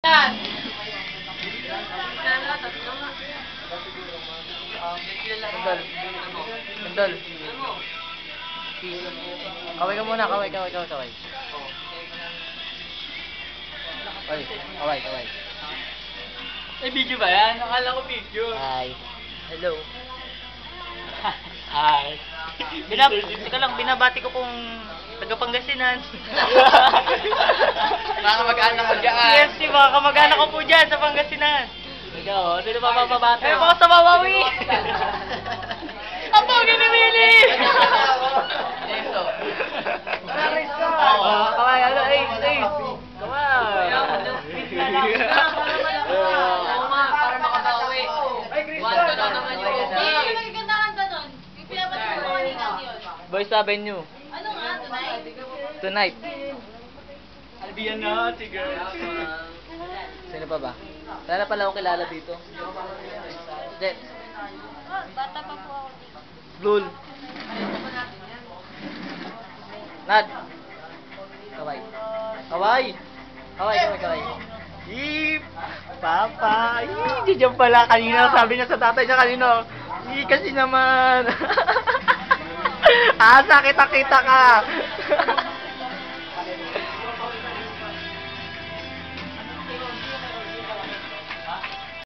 Yan. Sandal. Sandal. Peace. Kaway ka muna, kaway. Kaway. May video ba yan? Akala ko video. Hi. Hello. Hi. Teka lang, binabati ko kung taga Pangasinan. Mga kamag-anak ko dyan. Yes, mga kamag-anak ko po dyan sa Pangasinan. Ikaw, sino ba mababati? Ay, ako sa Mawawi. Ang pogi ni Willie. Eso. Kaway, ano, ace. Kaway. Para makabawi. Wanto na naman yung okay. Boys Avenue. Ano nga, Tonight. Albiyan na, girl. Sino pa ba? Sana pala ako kilala dito. Jet. bata pa po ako dito. Blul. Nad. Kaway. Ip. Papa. Diyan pala kanina. Sabi niya sa tatay niya kanina. Kasi naman. Asa kita ka.